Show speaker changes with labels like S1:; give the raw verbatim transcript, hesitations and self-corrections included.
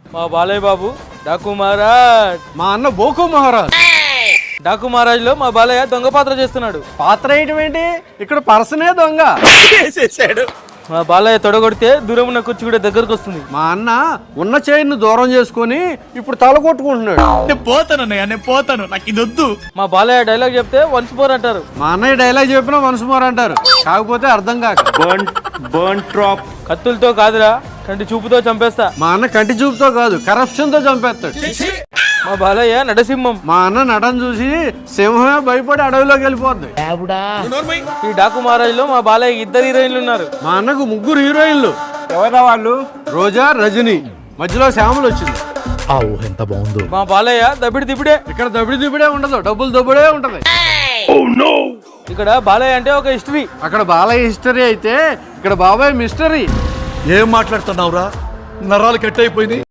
S1: మా బాలయ్య బాబు డాకు మహారాజ్.
S2: మా అన్న బోకు మహారాజ్.
S1: డాకు మహారాజ్ లో మా బాలయ్య దొంగ పాత్ర చేస్తున్నాడు.
S2: పాత్ర వేయటం ఏంటి, ఇక్కడ పర్సనే దొంగ.
S1: మా బాలయ్య తొడగొడితే దూరం ఉన్న కుర్చీ కూడా దగ్గరకు వస్తుంది.
S2: మా అన్న ఉన్న చైన్ దూరం చేసుకొని ఇప్పుడు తల కొట్టుకుంటున్నాడు.
S3: నేను పోతాను అన్నయ్య, నేను పోతాను, నాకు ఇది వద్దు.
S1: మా బాలయ్య డైలాగ్ చెప్తే వన్స్ మోర్ అంటారు.
S2: మా అన్నయ్య డైలాగ్ చెప్పినా మనసు మోర్ అంటారు, కాకపోతే అర్థం కాక.
S1: కత్తులతో కాదురా, కంటి చూపుతో చంపేస్తా.
S2: మా అన్న కంటి చూపుతో కాదు, కరప్షన్ తో చంపేస్తాడు.
S1: మా బాలయ్య నడసింహం.
S2: మా అన్న నటన చూసి సింహమే భయపడి అడవిలోకి వెళ్ళిపోద్ది.
S1: ఈ డాకు మహారాజ్ లో మా బాలయ్య ఇద్దరు హీరోయిన్లు ఉన్నారు.
S2: మా అన్నకు ముగ్గురు హీరోయిన్లు.
S4: ఎవరా వాళ్ళు?
S2: రోజా, రజని, మధ్యలో శ్యామలు వచ్చింది.
S4: ఆ ఊహ ఎంత బాగుందో.
S1: మా బాలయ్య దబిడి దిబిడే.
S2: ఇక్కడ దబిడి దిబిడే ఉండదు, డబ్బులు దబ్బుడే ఉంటది.
S1: ఇక్కడ బాలయ్య అంటే ఒక హిస్టరీ.
S2: అక్కడ బాలయ్య హిస్టరీ అయితే ఇక్కడ బాబాయ్ మిస్టరీ.
S3: ఏం మాట్లాడుతున్నావురా, నరాలు కట్ అయిపోయింది.